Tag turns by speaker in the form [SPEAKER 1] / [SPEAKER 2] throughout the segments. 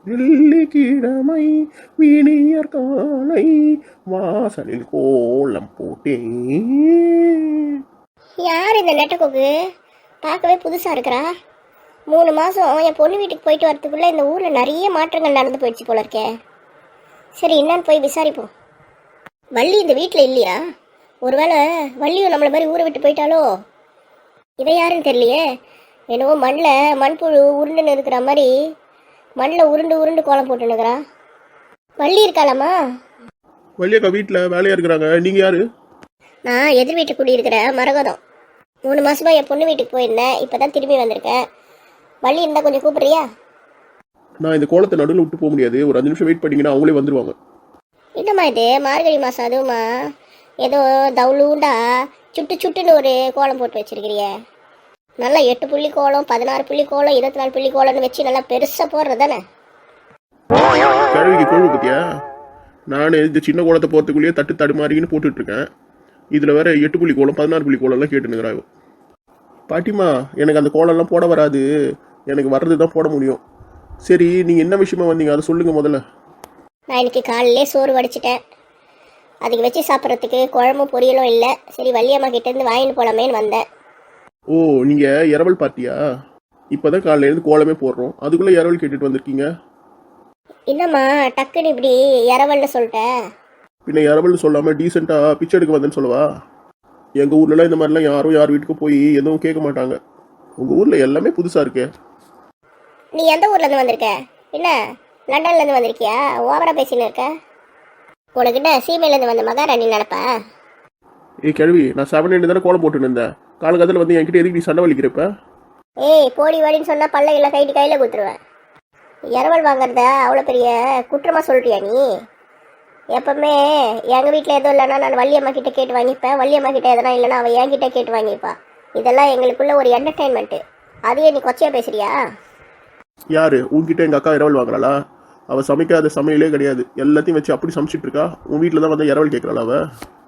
[SPEAKER 1] வெள்ளிக்கிழமை விடியற் காலை வாசலில் கோலம் போட்டேன்.
[SPEAKER 2] யார் இந்த நெட்டக்கோக்கு? பார்க்கவே புதுசாக இருக்கிறா. 3 மாதம் என் பொண்ணு வீட்டுக்கு போயிட்டு வரதுக்குள்ளே இந்த ஊரில் நிறைய மாற்றங்கள் நடந்து போயிடுச்சு போல இருக்கே. சரி, என்னன்னு போய் விசாரிப்போம். வள்ளி இந்த வீட்டில் இல்லையா? ஒருவேளை வள்ளியும் நம்மளை மாதிரி ஊரை விட்டு போயிட்டாலோ? இவ யாருன்னு தெரியலையே. என்னவோ மண்புழு உருண்டுன்னு இருக்கிற மாதிரி மண்ணில் உருண்டு உருண்டு கோலம் போட்டுனுக்குறா. வள்ளி இருக்காளாமா?
[SPEAKER 1] வள்ளியக்கா வீட்டில் வேலையாக இருக்கிறாங்க. நீங்கள் யாரு?
[SPEAKER 2] நான் எதிர் வீட்டு குடியிருக்கிற மரகதம். 3 மாசமா என் பொண்ணு வீட்டுக்கு போயிருந்தேன். இப்போ தான் திரும்பி வந்திருக்கேன். வள்ளி இருந்தால் கொஞ்சம் கூப்பிட்றியா?
[SPEAKER 1] நான் இந்த கோலத்தை நடுவில் விட்டு போக முடியாது. ஒரு 5 நிமிஷம் வெயிட் பண்ணிங்கன்னா அவங்களே வந்துடுவாங்க.
[SPEAKER 2] என்னம்மா இது மார்கழி மாதம், அதுவுமா ஏதோ தவுளூண்டா சுட்டுன்னு ஒரு கோலம் போட்டு வச்சிருக்கிறிய. நல்லா 8 புள்ளி கோலம், 16 புள்ளி கோலம், 24 புள்ளி கோலம்னு வச்சு நல்லா பெருசாக போடுறது தானே.
[SPEAKER 1] கழுவிக்கு கோழு பத்தியா? நான் இந்த சின்ன கோலத்தை போகிறதுக்குள்ளேயே தடுமாறின்னு போட்டுட்டு இருக்கேன். இதில் வேற 8 புள்ளி கோலம், 16 புள்ளி கோலம்லாம் கேட்டுனுங்கிறாங்க. பாட்டிமா, எனக்கு அந்த கோலம்லாம் போட வராது. எனக்கு வர்றது தான் போட முடியும். சரி, நீங்கள் என்ன விஷயமா வந்தீங்க அதை சொல்லுங்கள் முதல்ல.
[SPEAKER 2] நான் இன்னைக்கு காலையிலே சோறு வடிச்சிட்டேன். அதுக்கு வச்சு சாப்பிட்றதுக்கு குழம்பும் பொரியலும் இல்லை. சரி, வள்ளியம்மா கிட்டேருந்து வாங்கிட்டு போகலாமேன்னு வந்தேன்.
[SPEAKER 1] ஓ, நீங்கள் இரவல் பார்ட்டியா? இப்போ தான் காலையிலேருந்து கோலமே போடுறோம், அதுக்குள்ளே இரவல் கேட்டுட்டு வந்திருக்கீங்க.
[SPEAKER 2] என்னம்மா டக்குன்னு இப்படி இரவல்னு சொல்லிட்டேன்?
[SPEAKER 1] பின்ன இரவல்னு சொல்லாமல் டீசெண்டாக பிச்சை எடுக்க வந்தேன்னு சொல்லவா? எங்கள் ஊர்லலாம் இந்த மாதிரிலாம் யாரும் யார் வீட்டுக்கு போய் எதுவும் கேட்க மாட்டாங்க. உங்கள் ஊரில் எல்லாமே புதுசாக இருக்கே.
[SPEAKER 2] நீ எந்த ஊர்லேருந்து வந்திருக்க? என்ன லண்டன்லேருந்து வந்திருக்கியா? ஓவராக பேசின்னு இருக்க. உனக்கிட்ட சீமையிலேருந்து வந்த மகாராணி நினப்பா?
[SPEAKER 1] ஏய் கிழவி, நான் 7 தானே கோலம் போட்டுன்னு இருந்தேன். காலகத்தில் வந்து என்கிட்ட எதுக்கு நீ சண்டை வலிக்கிறப்ப?
[SPEAKER 2] ஏய், போடி வாடின்னு சொன்னால் பல்லையில் கையில் கொடுத்துருவேன். இரவல் வாங்குறத அவ்வளோ பெரிய குற்றமாக சொல்கிறியா நீ? எப்பவுமே எங்கள் வீட்டில் எதுவும் இல்லைன்னா நான் வள்ளியம்மா கிட்டே கேட்டு வாங்கிப்பேன். வள்ளியம்மா கிட்டே எதனா இல்லைன்னா அவள் என்கிட்ட கேட்டு வாங்கிப்பா. இதெல்லாம் எங்களுக்குள்ள ஒரு என்டர்டெயின்மெண்ட்டு. அதையே நீ கொச்சையாக பேசுறியா?
[SPEAKER 1] யாரு உன்கிட்ட எங்கள் அக்கா இரவல் வாங்குறாளா? அவள் சமைக்காத சமையலே கிடையாது. எல்லாத்தையும் வச்சு அப்படி சமைச்சிட்டு இருக்கா. உன் வீட்டில் தான் வந்து இரவல் கேட்குறாள் அவள்.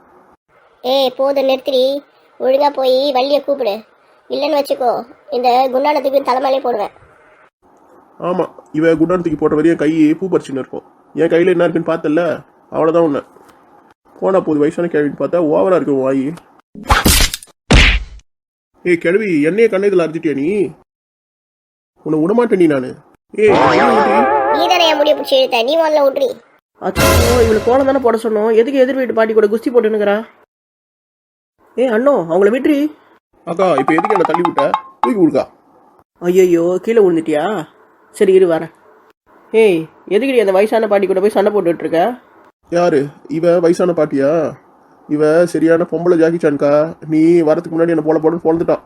[SPEAKER 2] ஏய், போதும் நிறுத்திரி. ஒழுங்காக போய் வள்ளியை கூப்பிடு. இல்லைன்னு வச்சுக்கோ, இந்த குண்டானத்துக்கு தலைமையிலே போடுவேன்.
[SPEAKER 1] ஆமாம், இவன் குண்டானத்துக்கு போட்ட வரையும் கை பூ பறிச்சுன்னு இருக்கும். என் கையில் என்ன இருக்குன்னு பார்த்தல, அவ்வளோதான். ஒன்று போனா போது வயசான கிழவின்னு பார்த்தா ஓவராக இருக்கும் வாயி. ஏய் கிழவி, என்னையே கண்ணதில் அரைச்சிட்டியா நீ? உன்னை விடமாட்டேன் நீ. நான்
[SPEAKER 2] நீ தானே என் முடிய பிடிச்சி இழுத்த. நீ முதல்ல விட்றி.
[SPEAKER 3] அச்சோ, இவளுக்கு கோலம் தானே போட சொன்னோம். எதுக்கு எதிர் வீட்டு பாட்டி கூட குஸ்தி போட்டுனுக்கிறா? அண்ணோ, அவங்கள விட்ரி.
[SPEAKER 1] அக்கா, இப்போ எதுக்கு என்ன தள்ளி விட்ட? தூக்கி விடுக்கா.
[SPEAKER 3] ஐயோ, கீழே விழுந்துட்டியா? சரி இரு வரேன். ஏய், எதுக்கு அந்த வயசான பாட்டி கூட போய் சண்டை போட்டுட்டு இருக்க?
[SPEAKER 1] யாரு இவ? வயசான பாட்டியா? இவ சரியான பொம்பளை ஜாக்கிச்சான்கா. நீ வரதுக்கு முன்னாடி என்ன போல போடுன்னு பொழுதுட்டான்.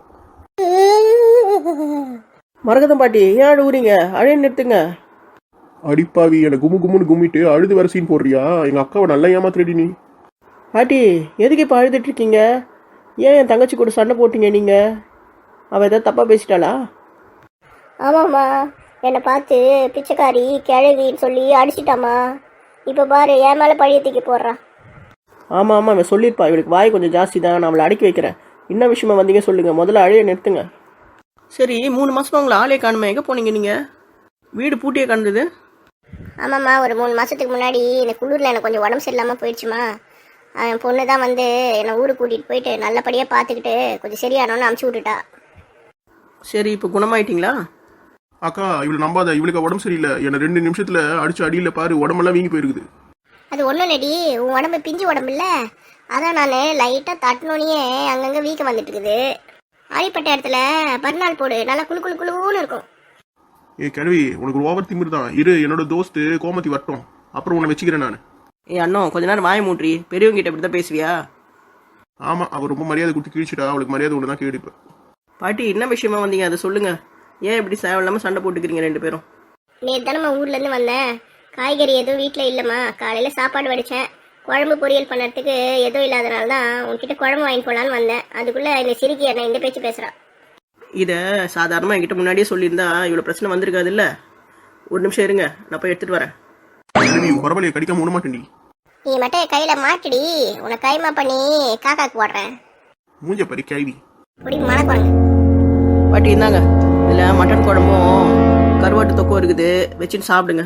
[SPEAKER 3] மரகதம் பாட்டி, ஏன் அழுவுறீங்க? அழைய நிறுத்துங்க.
[SPEAKER 1] அடிப்பாவி, என்னை கும்முன்னு கும்மிட்டு அழுது வர சீன் போடுறியா? எங்க அக்காவை நல்லா ஏமாத்துறடி நீ.
[SPEAKER 3] பாட்டி, எதுக்கு இப்போ அழுதுட்டு இருக்கீங்க? ஏன் என் தங்கச்சி கூட சண்டை போட்டீங்க நீங்க? அவள் ஏதாவது தப்பாக பேசிட்டாளா?
[SPEAKER 2] ஆமாம்மா, என்னை பார்த்து பிச்சைக்காரி கிழவின்னு சொல்லி அடிச்சிட்டாமா. இப்போ பாரு, என் மேலே பழிய தூக்கி போடுறான்.
[SPEAKER 3] ஆமாம் ஆமாம், அவன் சொல்லியிருப்பா. இவளுக்கு வாய் கொஞ்சம் ஜாஸ்தி தான். நான் அவளை அடக்கி வைக்கிறேன். என்ன விஷயமா வந்தீங்க சொல்லுங்க. முதல்ல அழைய நிறுத்துங்க. சரி, 3 மாசமா உங்களை ஆளே காணுமே. எங்கே போனீங்க நீங்கள்? வீடு பூட்டியே காணுது.
[SPEAKER 2] ஆமாம்மா, ஒரு 3 மாதத்துக்கு முன்னாடி இந்த குளிரில் எனக்கு கொஞ்சம் உடம்பு சரியில்லாமல் போயிடுச்சுமா. என் பொண்ணு தான் வந்து என்னை ஊருக்கு கூட்டிகிட்டு போயிட்டு நல்லபடியாக பார்த்துக்கிட்டு கொஞ்சம் சரியானோன்னு அமுச்சு விட்டுட்டா.
[SPEAKER 3] சரி, இப்போ குணமாயிட்டீங்களா?
[SPEAKER 1] அக்கா, இவளை நம்பாத. இவளுக்கு உடம்பு சரியில்லை. என்னை 2 நிமிஷத்துல அடிச்சு அடியில் பாரு, உடம்பெல்லாம் வீங்கி போயிருக்குது.
[SPEAKER 2] அது ஒன்றும் இல்லடி, உன் உடம்பு பிஞ்சு உடம்பு இல்லை. அதான் நான் லைட்டாக தட்டினோன்னே அங்கங்கே வீக்க வந்துட்டு இருக்குது. அடிப்பட்ட இடத்துல மறுநாள் போடு, நல்லா குழுன்னு இருக்கும்.
[SPEAKER 1] ஏ கிழவி, உனக்கு ஒரு ஓவர் திமிர் தான். இரு, என்னோட தோஸ்து கோமதி வரட்டும், அப்புறம் உன்னை வச்சுக்கிறேன் நான்.
[SPEAKER 3] அண்ணோ, கொஞ்ச நேரம் வாய மூட்ரி. பெரியவங்க கிட்ட இப்படி தான் பேசுவியா?
[SPEAKER 1] ஆமாம், அவர் ரொம்ப மரியாதை கொடுத்து கிழிச்சிட்டா. அவளுக்கு மரியாதை ஒன்று தான் கேடுப்பேன்.
[SPEAKER 3] பாட்டி, என்ன விஷயமா வந்தீங்க அதை சொல்லுங்க. ஏன் இப்படி தேவையில்லாமல் சண்டை போட்டுக்கிறீங்க 2 பேரும்?
[SPEAKER 2] நேற்று தானம்மா ஊர்லேருந்து வந்தேன். காய்கறி எதுவும் வீட்டில் இல்லைம்மா. காலையில் சாப்பாடு வடித்தேன். குழம்பு பொரியல் பண்ணுறதுக்கு எதுவும் இல்லாதனால தான் உங்ககிட்ட குழம்பு வாங்கி போகலான்னு வந்தேன். அதுக்குள்ளே இந்த சிரிக்கி என்ன இந்த பேச்சு பேசுகிறான்.
[SPEAKER 3] இதை சாதாரணமாக என்கிட்ட முன்னாடியே சொல்லியிருந்தா இவ்வளோ பிரச்சனை வந்திருக்காது இல்லை? ஒரு நிமிஷம் இருங்க, நான் போய் எடுத்துகிட்டு வரேன்.
[SPEAKER 1] பரவாயில்லையே, கடிக்காம விட மாட்டேன்.
[SPEAKER 2] நீ மட்டும் கையில் மாட்டிடி, உன்னை கைமா பண்ணி காக்காக்கு போடுறேன்.
[SPEAKER 1] மூஞ்ச பறி கேள்வி.
[SPEAKER 2] இப்படி மணக்குறங்க.
[SPEAKER 3] பாட்டி, இருந்தாங்க. இதில் மட்டன் குழம்பும் கருவாட்டு தொக்கும் இருக்குது, வச்சுன்னு சாப்பிடுங்க.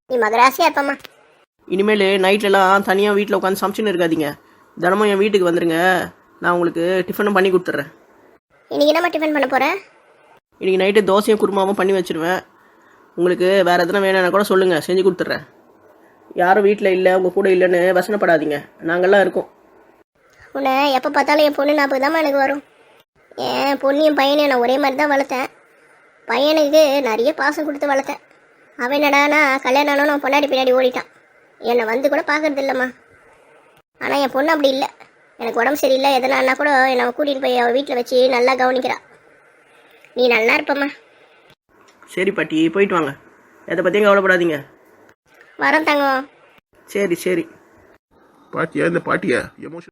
[SPEAKER 2] நீ மகராசியாக இருப்பம்மா.
[SPEAKER 3] இனிமேல் நைட்லலாம் தனியாக வீட்டில் உட்காந்து சமைச்சுன்னு இருக்காதீங்க. தினமும் என் வீட்டுக்கு வந்துடுங்க. நான் உங்களுக்கு டிஃபனும் பண்ணி கொடுத்துட்றேன்.
[SPEAKER 2] இன்னைக்கு என்னம்மா டிஃபன் பண்ண போகிற?
[SPEAKER 3] இன்றைக்கி நைட்டு தோசையும் குருமாவும் பண்ணி வச்சுருவேன். உங்களுக்கு வேறு எதுனா வேணும்னா கூட சொல்லுங்கள், செஞ்சு கொடுத்துட்றேன். யாரும் வீட்டில் இல்லை, உங்கள் கூட இல்லைன்னு வசனப்படாதீங்க. நாங்கள்லாம் இருக்கோம்.
[SPEAKER 2] உன்னை எப்போ பார்த்தாலும் என் பொண்ணு ஞாபகம் தான்மா எனக்கு வரும். என் பொண்ணையும் பையனையும் நான் ஒரே மாதிரி தான் வளர்த்தேன். பையனுக்கு நிறைய பாசம் கொடுத்து வளர்த்தேன். அவன் என்னடானா கல்யாணம் ஆனாலும் அவன் பொண்டாடி பின்னாடி ஓடிட்டான். என்னை வந்து கூட பார்க்கறது இல்லைம்மா. ஆனால் என் பொண்ணு அப்படி இல்லை. எனக்கு உடம்பு சரியில்லை எதனான்னா கூட என்னை கூட்டிகிட்டு போய் அவள் வீட்டில் வச்சு நல்லா கவனிக்கிறா. நீ நல்லா இருப்பம்மா.
[SPEAKER 3] சரி பாட்டி, போயிட்டு வாங்க. எதை பற்றியும் கவலைப்படாதீங்க.
[SPEAKER 2] வரேன் தங்கம்.
[SPEAKER 3] சரி சரி.
[SPEAKER 1] பாட்டியா இந்த பாட்டியா எமோஷன்